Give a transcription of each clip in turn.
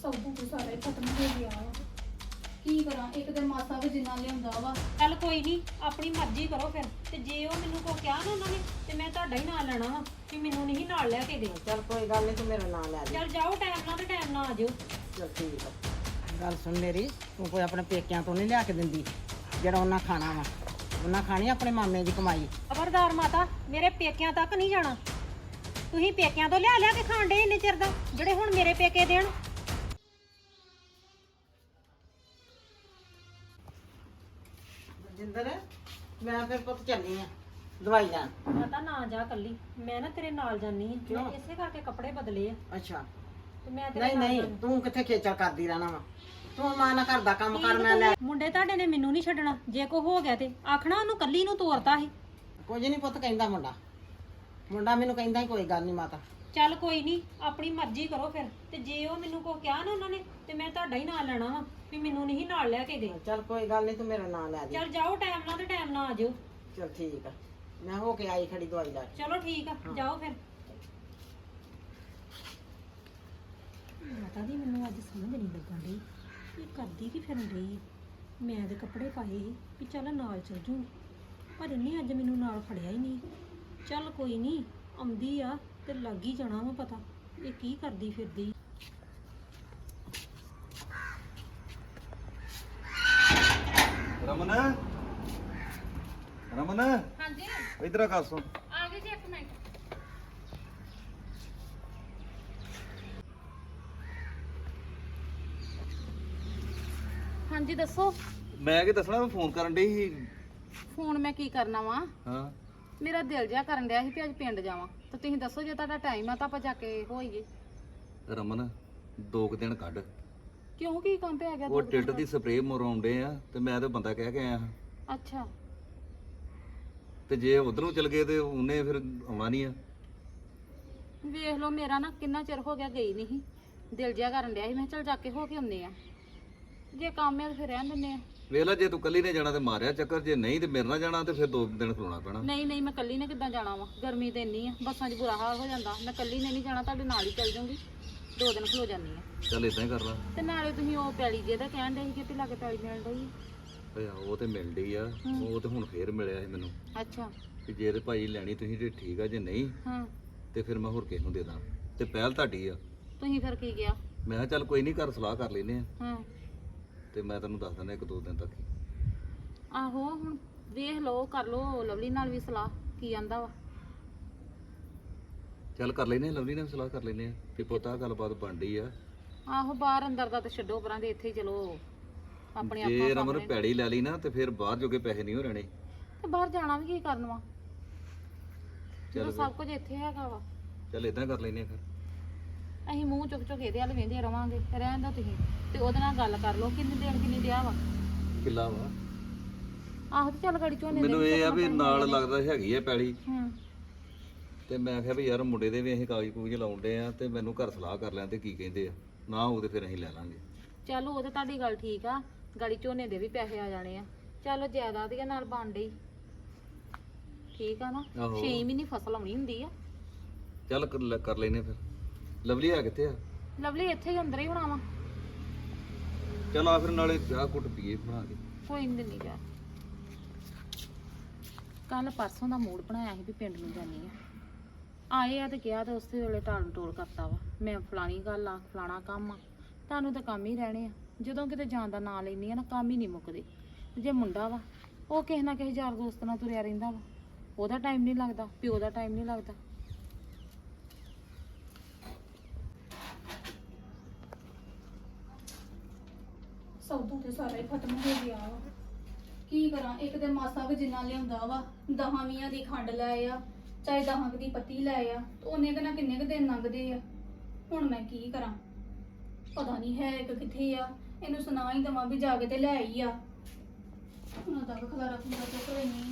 ਸੌਦਾ ਤੇ ਸਾਰਾ ਹੀ ਖਤਮ ਹੋ ਗਿਆ ਵਾ। ਕੀ ਕਰਾਂ, ਇੱਕ ਤੇ ਮਾਸਾ ਵੀ ਜਿੰਨਾ ਲਿਆਉਂਦਾ ਵਾ। ਚੱਲ ਕੋਈ ਨਹੀਂ, ਆਪਣੀ ਮਰਜ਼ੀ ਕਰੋ ਫਿਰ। ਤੇ ਜੇ ਉਹ ਮੈਨੂੰ ਕੋ ਕਿਹਾ ਨਾ ਉਹਨਾਂ ਨੇ ਤੇ ਮੈਂ ਤੁਹਾਡਾ ਹੀ ਨਾਂ ਲੈਣਾ ਵਾ ਕਿ ਮੈਨੂੰ ਨਹੀਂ ਨਾਲ ਲੈ ਕੇ ਗਏ। ਚੱਲ ਕੋਈ ਗੱਲ ਨਹੀਂ, ਤੂੰ ਮੇਰਾ ਨਾਂ ਲੈ ਦੇ। ਚੱਲ ਜਾਓ ਟਾਈਮ ਨਾਲ ਤੇ ਟਾਈਮ ਨਾਲ ਆ ਜਾਓ। ਚੱਲ ਠੀਕ ਆ। ਗੱਲ ਸੁਣ ਮੇਰੀ, ਤੂੰ ਕੋਈ ਆਪਣੇ ਪੇਕਿਆਂ ਤੋਂ ਨਹੀਂ ਲਿਆ ਕੇ ਦਿੰਦੀ ਜਿਹੜਾ ਉਹਨਾਂ ਖਾਣਾ ਵਾ। ਉਹਨਾਂ ਖਾਣੀ ਆਪਣੇ ਮਾਮੇ ਦੀ ਕਮਾਈ। ਖਬਰਦਾਰ ਮਾਤਾ, ਮੇਰੇ ਪੇਕਿਆਂ ਤੱਕ ਨਹੀਂ ਜਾਣਾ। ਤੁਸੀਂ ਪੇਕਿਆਂ ਤੋਂ ਲਿਆ ਕੇ ਖਾਣ ਡੇ ਇੰਨੇ ਚਿਰ ਦਾ, ਜਿਹੜੇ ਹੁਣ ਮੇਰੇ ਪੇਕੇ ਦੇਣ। ਜਿੰਦਰ, ਮੈਂ ਫਿਰ ਪੁੱਤ ਚੱਲੀ ਆ ਦਵਾਈ ਲੈਣ। ਮਾਤਾ ਨਾ ਜਾ ਕੱਲੀ, ਮੈਂ ਨਾ ਤੇਰੇ ਨਾਲ ਜਾਨੀ ਆ। ਕਿਉਂ? ਮੈਂ ਇਸੇ ਕਰਕੇ ਕੱਪੜੇ ਬਦਲੇ ਆ ਅੱਛਾ। ਤੇ ਮੈਂ ਤੇਰੇ ਨਹੀਂ ਨਾਲ ਨਹੀਂ, ਜਾਨੀ। ਤੂੰ ਕਿੱਥੇ ਖੇਚਲ ਕਰਦੀ ਰਹਿਣਾ ਵਾ। ਤੂੰ ਮਾਂ ਨਾਲ ਘਰ ਦਾ ਕੰਮ ਕਰ, ਮੈਂ ਲੈ। ਮੁੰਡੇ ਤੁਹਾਡੇ ਨੇ ਮੈਨੂੰ ਨਹੀਂ ਛੱਡਣਾ। ਜੇ ਕੋ ਹੋ ਗਿਆ ਤੇ ਆਖਣਾ ਉਹਨੂੰ ਕੱਲੀ ਨੂੰ ਤੋਰਤਾ ਸੀ। ਕੁਝ ਨਹੀਂ ਪੁੱਤ ਕਹਿੰਦਾ ਮੁੰਡਾ ਮੈਨੂੰ ਕਹਿੰਦਾ ਹੀ ਕੋਈ ਗੱਲ ਨਹੀਂ ਮਾਤਾ। ਚੱਲ ਕੋਈ ਨਹੀਂ, ਆਪਣੀ ਮਰਜ਼ੀ ਕਰੋ ਫਿਰ। ਤੇ ਜੇ ਉਹ ਮੈਨੂੰ ਕੋ ਕਿਹਾ ਨਾ ਉਹਨਾਂ ਨੇ ਤੇ ਮੈਂ ਤੁਹਾਡਾ ਹੀ ਨਾਲ ਲੈਣਾ ਵਾ ਵੀ ਮੈਨੂੰ ਨਹੀਂ ਨਾਲ ਲੈ ਕੇ ਗਏ। ਚੱਲ ਕੋਈ ਗੱਲ ਨਹੀਂ, ਤੂੰ ਮੇਰਾ ਨਾਂ ਲੈ ਦੇ। ਚੱਲ ਜਾਓ ਟਾਈਮ ਨਾਲ ਤੇ ਟਾਈਮ ਨਾਲ ਆ ਜਾਓ। ਚੱਲ ਠੀਕ ਆ, ਮੈਂ ਹੋ ਕੇ ਆਈ ਖੜੀ ਦਵਾਈ ਲੈ। ਚਲੋ ਠੀਕ ਆ, ਜਾਓ ਫਿਰ। ਮਾਤਾ ਦੀ ਮੈਨੂੰ ਅੱਜ ਸਮਝ ਨਹੀਂ ਲੱਗਣ ਡਈ ਇਹ ਕਰਦੀ ਕੀ ਫਿਰਨ ਡਈ ਹੈ। ਮੈਂ ਤੇ ਕੱਪੜੇ ਪਾਏ ਸੀ ਵੀ ਚੱਲ ਨਾਲ ਚੱਲ ਜੂ, ਪਰ ਇਹਨੇ ਅੱਜ ਮੈਨੂੰ ਨਾਲ ਫੜਿਆ ਹੀ ਨਹੀਂ। ਚੱਲ ਕੋਈ ਨਹੀਂ, ਆਉਂਦੀ ਆ ਤੇ ਲੱਗ ਹੀ ਜਾਣਾ ਵਾ ਪਤਾ ਇਹ ਕੀ ਕਰਦੀ ਫਿਰਦੀ। ਰਮਨ ਰਮਨ, ਹਾਂਜੀ ਇਧਰ ਆ ਕਰ ਸੁਣ। ਆ ਗਏ ਜੀ, ਇੱਕ ਮਿੰਟ। ਹਾਂਜੀ ਦੱਸੋ। ਮੈਂ ਕੀ ਦੱਸਣਾ, ਮੈਂ ਫੋਨ ਕਰਨ ਡਈ ਸੀ। ਫੋਨ ਮੈਂ ਕੀ ਕਰਨਾ ਵਾ, ਹਾਂ, ਮੇਰਾ ਦਿਲ ਜਿਹਾ ਕਰਨ ਡਿਆ ਸੀ ਵੀ ਅੱਜ ਪਿੰਡ ਜਾਵਾਂ। ਤਾਂ ਤੁਸੀਂ ਦੱਸੋ ਜੇ ਤੁਹਾਡਾ ਟਾਈਮ ਆ ਤਾਂ ਆਪਾਂ ਜਾ ਕੇ ਹੋਈਏ। ਰਮਨ 2 ਦਿਨ ਕੱਢ। ਕਿਉਂ, ਕੀ ਕੰਮ ਪਿਆ ਗਿਆ? ਉਹ ਟਿੱਡ ਦੀ ਸਪਰੇਅ ਮਰਾਉਂਦੇ ਆ ਤੇ ਮੈਂ ਤੇ ਬੰਦਾ ਕਹਿ ਕੇ ਆਇਆ ਹਾਂ। ਅੱਛਾ, ਤੇ ਜੇ ਉਧਰੋਂ ਚਲ ਗਏ ਤੇ ਉਹਨੇ ਫਿਰ ਆਉਣਾ ਨਹੀਂ ਆ। ਵੇਖ ਲਓ, ਮੇਰਾ ਨਾ ਕਿੰਨਾ ਚਿਰ ਹੋ ਗਿਆ ਗਈ ਨਹੀਂ, ਦਿਲ ਜਿਹਾ ਕਰਨ ਡਿਆ ਸੀ। ਮੈਂ ਕਿਹਾ ਚੱਲ ਜਾ ਕੇ ਹੋ ਕੇ ਆਉਂਦੇ ਆ। ਜੇ ਕੰਮ ਹੈ ਤਾਂ ਫਿਰ ਰਹਿਣ ਦਿੰਦੇ ਆ। ਵੇਖ ਲੈ, ਜੇ ਤੂੰ ਕੱਲੀ ਨੇ ਜਾਣਾ ਤੇ ਮਾਰਿਆ ਚੱਕਰ, ਜੇ ਨਹੀਂ ਤੇ ਮੇਰੇ ਨਾਲ ਜਾਣਾ ਤੇ ਫਿਰ 2 ਦਿਨ ਖਲੋਣਾ ਪੈਣਾ। ਨਹੀਂ ਨਹੀਂ, ਮੈਂ ਕੱਲੀ ਨੇ ਕਿੱਦਾਂ ਜਾਣਾ ਵਾ, ਗਰਮੀ ਤੇ ਇੰਨੀ ਆ, ਬੱਸਾਂ 'ਚ ਬੁਰਾ ਹਾਲ ਹੋ ਜਾਂਦਾ। ਮੈਂ ਕੱਲੀ ਨੇ ਨਹੀਂ ਜਾਣਾ, ਤੁਹਾਡੇ ਨਾਲ ਹੀ ਚੱਲ ਜਾਊਂਗੀ, 2 ਦਿਨ ਖਲੋ ਜਾਂਦੀ ਆ। ਚੱਲ ਇਦਾਂ ਹੀ ਕਰ ਲਾ। ਤੇ ਨਾਲੇ ਤੁਸੀਂ ਉਹ ਪੈਲੀ ਜੇ ਦਾ ਕਹਿਣ ਦੇ ਸੀ ਕਿ ਲਾਗੇ ਪੈਲੀ ਮਿਲ ਰਹੀ। ਓਏ ਉਹ ਤੇ ਮਿਲ ਡਈ ਆ, ਉਹ ਤੇ ਹੁਣ ਫੇਰ ਮਿਲਿਆ ਸੀ ਮੈਨੂੰ ਅੱਛਾ। ਕਿ ਜੇ ਤੇ ਭਾਈ ਲੈਣੀ ਤੁਸੀਂ ਤੇ ਠੀਕ ਆ, ਜੇ ਨਹੀਂ ਹਾਂ, ਤੇ ਫਿਰ ਮੈਂ ਹੋਰ ਕਿਸੇ ਨੂੰ ਦੇ ਦਾਂ। ਤੇ ਪਹਿਲ ਤੁਹਾਡੀ ਆ। ਤੁਸੀਂ ਫਿਰ ਕੀ ਗਿਆ? ਮੈਂ ਕਿਹਾ ਚੱਲ ਕੋਈ ਨਹੀਂ, ਘਰ ਸਲਾਹ ਕਰ ਲੈਨੇ ਆ ਹਾਂ, ਤੇ ਮੈਂ ਤੈਨੂੰ ਦੱਸ ਦਿੰਦਾ 1-2 ਦਿਨ ਤੱਕ ਹੀ। ਆਹੋ ਹੁਣ ਵੇਖ ਲਓ, ਕਰ ਲਓ ਲਵਲੀ ਨਾਲ ਵੀ ਸਲਾਹ, ਕੀ ਆਂਦਾ ਵਾ। ਚੱਲ ਕਰ ਲੈਨੇ ਆ, ਲਵਲੀ ਨਾਲ ਵੀ ਸਲਾਹ ਕਰ ਲੈਨੇ ਆ ਕਿ ਪੁੱਤਾ ਗੱਲਬਾਤ ਬਣਦੀ ਆ। ਆਹੋ, ਬਾਹਰ ਅੰਦਰ ਦਾ ਤੇ ਛੱਡੋ ਪਰਾਂ ਦੇ, ਇੱਥੇ ਹੀ ਚਲੋ ਆਪਣੇ ਜੇ ਆਪਾਂ ਰਮਨ ਸਾਹਮਣੇ। ਪੈੜੀ ਲੈ ਲਈ ਨਾ ਤੇ ਫਿਰ ਬਾਹਰ ਜੋਗੇ ਪੈਸੇ ਨਹੀਂ ਹੋ ਰਹਿਣੇ। ਤੇ ਬਾਹਰ ਜਾਣਾ ਵੀ ਕੀ ਕਰਨ ਵਾ, ਚੱਲ ਜਦੋਂ ਸਭ ਕੁਝ ਇੱਥੇ ਹੈਗਾ ਵਾ। ਚੱਲ ਇਦਾਂ ਕਰ ਲੈਨੇ ਆ ਫਿਰ। ਅਸੀਂ ਮੂੰਹ ਚੁੱਕ ਚੁੱਕ ਇਹਦੇ ਵੱਲ ਵੇਂਦੇ ਰਵਾਂਗੇ, ਰਹਿਣ ਦਾ ਤੁਸੀਂ। ਤੇ ਉਹਦੇ ਨਾਲ ਗੱਲ ਕਰ ਲਓ, ਕਿੰਨੇ ਦੇਣ ਕਿੰਨੀ ਦਿਆ ਵਾ। ਕਿੱਲਾ ਵਾ ਆਹੋ, ਤੇ ਚੱਲ ਗੜੀ ਝੋਨੇ ਮੈਨੂੰ ਇਹ ਆ ਵੀ ਨਾਲ ਲੱਗਦਾ ਹੈਗੀ ਆ ਪੈੜੀ। ਹੂੰ, ਤੇ ਮੈਂ ਕਿਹਾ ਵੀ ਯਾਰ ਮੁੰਡੇ ਦੇ ਵੀ ਅਸੀਂ ਕਾਗਜ਼ ਕੂਗਜ਼ ਲਾਉਂਦੇ ਆ ਤੇ ਮੈਨੂੰ ਘਰ ਸਲਾਹ ਕਰ ਲੈਣ ਤੇ ਕੀ ਕਹਿੰਦੇ ਆ। ਨਾ ਉਹ ਤੇ ਫਿਰ ਅਸੀਂ ਲੈ ਲਾਂਗੇ। ਚਲੋ ਉਹ ਤੇ ਤੁਹਾਡੀ ਗੱਲ ਠੀਕ ਆ, ਗਾੜੀ ਝੋਨੇ ਦੇ ਵੀ ਪੈਸੇ ਆ ਜਾਣੇ ਆ। ਚਲੋ ਜਾਇਦਾਦ ਦੇ ਨਾਲ ਬਣ ਡਈ, ਠੀਕ ਆ ਨਾ। ਆਹੋ। 6 ਮਹੀਨੇ ਫਸਲ ਆਉਣੀ ਹੁੰਦੀ ਆ। ਚੱਲ ਕਰ ਲੈਨੇ ਫਿਰ। ਲਵਲੀ ਆ ਕਿੱਥੇ ਆ? ਲਵਲੀ ਇੱਥੇ ਹੀ ਅੰਦਰ ਹੀ ਹੋਣਾ ਵਾ। ਚੱਲ ਆ ਫਿਰ ਨਾਲੇ ਚਾਹ ਕੁੱਟ ਪੀਏ ਬਣਾ ਕੇ। ਕੋਈ ਨਹੀਂ ਦਿੰਦੀ ਜਾ। ਕੱਲ ਪਰਸੋਂ ਦਾ ਮੂਡ ਬਣਾਇਆ ਸੀ ਵੀ ਪਿੰਡ ਨੂੰ ਜਾਣੀ ਆ। ਆਏ ਆ ਤੇ ਕਿਹਾ ਤੇ ਉਸੇ ਵੇਲੇ ਟਾਲ ਟੋਲ ਕਰਤਾ ਵਾ। ਮੈਂ ਫਲਾਣੀ ਗੱਲ ਆ, ਫਲਾਣਾ ਕੰਮ ਆ। ਤੁਹਾਨੂੰ ਤਾਂ ਕੰਮ ਹੀ ਰਹਿਣੇ ਆ। ਜਦੋਂ ਕਿਤੇ ਜਾਣ ਦਾ ਨਾਂ ਲੈਂਦੀ ਆ ਨਾ, ਕੰਮ ਹੀ ਨਹੀਂ ਮੁੱਕਦੇ। ਜੇ ਮੁੰਡਾ ਵਾ, ਉਹ ਕਿਸੇ ਨਾ ਕਿਸੇ ਯਾਰ ਦੋਸਤ ਨਾਲ ਤੁਰਿਆ ਰਹਿੰਦਾ ਵਾ। ਉਹਦਾ ਟਾਈਮ ਨਹੀਂ ਲੱਗਦਾ, ਪਿਓ ਦਾ ਟਾਈਮ ਨਹੀਂ ਲੱਗਦਾ। ਸੌਦਾ ਤੇ ਸਾਰਾ ਹੀ ਖਤਮ ਹੋ ਗਿਆ ਵਾ। ਕੀ ਕਰਾਂ, ਇੱਕ ਤੇ ਮਾਸਾ ਵੀ ਜਿੰਨਾ ਲਿਆਉਂਦਾ ਵਾ, 10-20 ਦੀ ਖੰਡ ਲੈ ਆ, ਚਾਹੇ 10 ਦੀ ਪੱਤੀ ਲੈ ਆ, ਉਹਨੇ ਕਿੰਨਾ ਕਿੰਨੇ ਕੁ ਦਿਨ ਲੰਘਦੇ ਆ। ਹੁਣ ਮੈਂ ਕੀ ਕਰਾਂ, ਪਤਾ ਨਹੀਂ ਹੈ ਇੱਕ ਕਿੱਥੇ ਆ। ਇਹਨੂੰ ਸੁਣਾ ਹੀ ਦਵਾਂ ਵੀ ਜਾ ਕੇ ਤੇ ਲੈ ਆਈ ਆ। ਉਹਨਾਂ ਦਾ ਖਲਾਰਾ ਖੁੰਦਾ ਚੁੱਕ ਲੈਣੀ।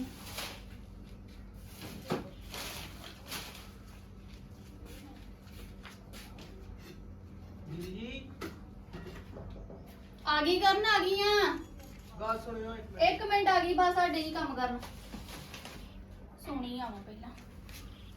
ਆ ਗਈ ਕਰਨ, ਆ ਗਈ ਆ। ਗੱਲ ਸੁਣਿਓ ਇੱਕ ਮਿੰਟ, ਆ ਗਈ ਬਸ। ਸਾਡੇ ਹੀ ਕੰਮ ਕਰਨ ਸੋਣੀ ਆਵਾਂ ਪਹਿਲਾਂ।